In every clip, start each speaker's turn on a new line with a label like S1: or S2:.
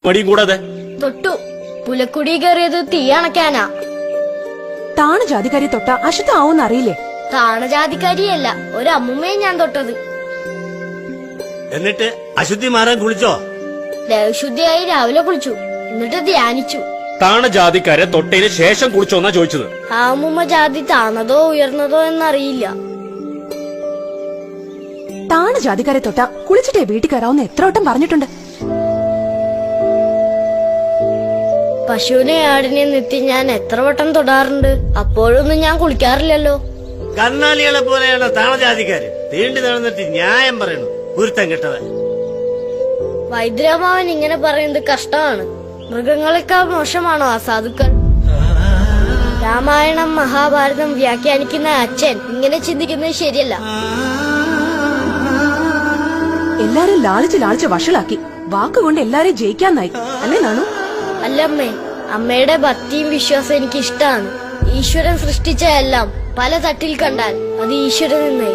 S1: മടിയും കൂടാതെ
S2: തൊട്ടു. പുലക്കുടി കയറിയത് തീ അണക്കാനാ.
S3: താണ ജാതിക്കാരി തൊട്ട അശുദ്ധാവൂന്ന് അറിയില്ലേ?
S2: താണജാതിക്കാരിയല്ല, ഒരു അമ്മുമ്മയെ ഞാൻ തൊട്ടത്.
S1: എന്നിട്ട് അശുദ്ധി മാറാൻ കുളിച്ചോ?
S2: ദേവശുദ്ധിയായി രാവിലെ കുളിച്ചു, എന്നിട്ട് ധ്യാനിച്ചു.
S1: താണ ജാതിക്കാരെ തൊട്ടതിന് ശേഷം കുളിച്ചോന്നാ ചോദിച്ചത്.
S2: ആ അമ്മുമ്മ ജാതി താണതോ ഉയർന്നതോ എന്നറിയില്ല.
S3: താണ ജാതിക്കാരെ തൊട്ട കുളിച്ചിട്ടേ വീട്ടിൽ കയറാവുന്ന എത്ര വട്ടം പറഞ്ഞിട്ടുണ്ട്.
S2: പശുവിനെ ആടിനെ നിത്യം ഞാൻ എത്ര വട്ടം തൊടാറുണ്ട്. അപ്പോഴൊന്നും ഞാൻ കുളിക്കാറില്ലല്ലോ.
S1: കന്നാലികളെ പോലെയാണ് താണജാതിക്കാര്. തീണ്ടി നടന്നിട്ട് ന്യായം പറയണു, ഗുരുത്തം കെട്ടവൻ.
S2: വൈദ്യരാമാവൻ ഇങ്ങനെ പറയുന്നത് കഷ്ടമാണ്. മൃഗങ്ങളെക്കാൾ മോശമാണോ ആ സാധുക്കൾ? രാമായണം മഹാഭാരതം വ്യാഖ്യാനിക്കുന്ന അച്ഛൻ ഇങ്ങനെ ചിന്തിക്കുന്നത് ശരിയല്ല.
S3: എല്ലാരും ലാളിച്ച് ലാളിച്ച് വഷളാക്കി. വാക്കുകൊണ്ട് എല്ലാരെയും ജയിക്കാന്നായി അല്ലേ നാണു?
S2: അല്ലമ്മേ, അമ്മയുടെ ഭക്തിയും വിശ്വാസം എനിക്ക് ഇഷ്ടമാണ്. ഈശ്വരൻ സൃഷ്ടിച്ച എല്ലാം പല തട്ടിൽ കണ്ടാൽ അത് ഈശ്വരൻ നിന്നേ.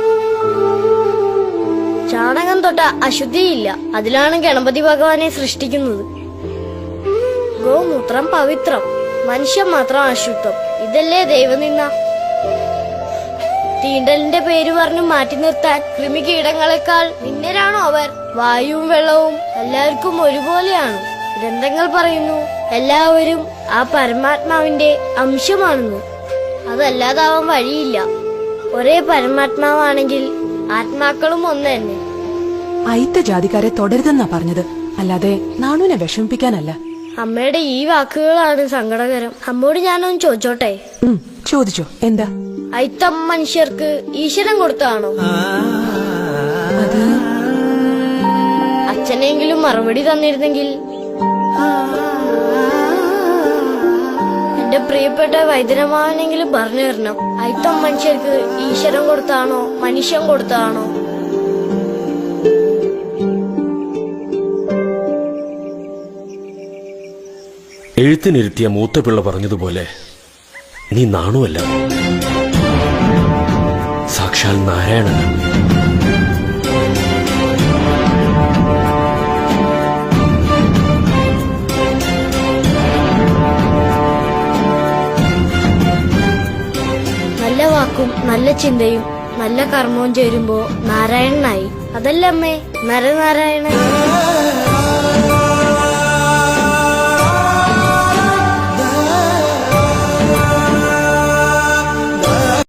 S2: ചാണകം തൊട്ട അശുദ്ധിയില്ല, അതിലാണ് ഗണപതി ഭഗവാനെ സൃഷ്ടിക്കുന്നത്. ഗോമൂത്രം പവിത്രം, മനുഷ്യൻ മാത്രം അശുദ്ധം. ഇതല്ലേ ദൈവനിന്ന? തീണ്ടലിന്റെ പേര് പറഞ്ഞു മാറ്റി നിർത്താൻ കൃമികീടങ്ങളെക്കാൾ നിന്നരാണോ അവർ? വായുവും വെള്ളവും എല്ലാവർക്കും ഒരുപോലെയാണ്. ഗ്രന്ഥങ്ങൾ പറയുന്നു എല്ലാവരും ആ പരമാത്മാവിന്റെ അംശമാണെന്ന്. അതല്ലാതാവാൻ വഴിയില്ല. ഒരേ പരമാത്മാവാണെങ്കിൽ ആത്മാക്കളും ഒന്ന് തന്നെ.
S3: അയിത്ത ജാതിക്കാരെ തുടരുതെന്നാ പറഞ്ഞത്, അല്ലാതെ നാണുവിനെ വിഷമിപ്പിക്കാനല്ല.
S2: അമ്മയുടെ ഈ വാക്കുകളാണ് സങ്കടകരം. അമ്മോട് ഞാനൊന്ന് ചോദിച്ചോട്ടെ?
S3: ചോദിച്ചോ. എന്താ?
S2: അയിത്തം മനുഷ്യർക്ക് ഈശ്വരൻ കൊടുത്തതാണോ?
S3: അത്
S2: അച്ഛനെങ്കിലും മറുപടി തന്നിരുന്നെങ്കിൽ. എന്റെ പ്രിയപ്പെട്ട വൈദ്യരമാവനെങ്കിലും പറഞ്ഞു തരണം, അയിത്തം മനുഷ്യർക്ക് ഈശ്വരൻ കൊടുത്താണോ മനുഷ്യൻ കൊടുത്താണോ?
S1: എഴുത്തിനിരുത്തിയ മൂത്ത പിള്ള പറഞ്ഞതുപോലെ നീ നാണുവല്ല, സാക്ഷാൽ നാരായണൻ.
S2: നല്ല വാക്കും നല്ല ചിന്തയും നല്ല കർമ്മവും ചേരുമ്പോ നാരായണനായി. അതല്ലേ അമ്മേ നരനാരായണൻ?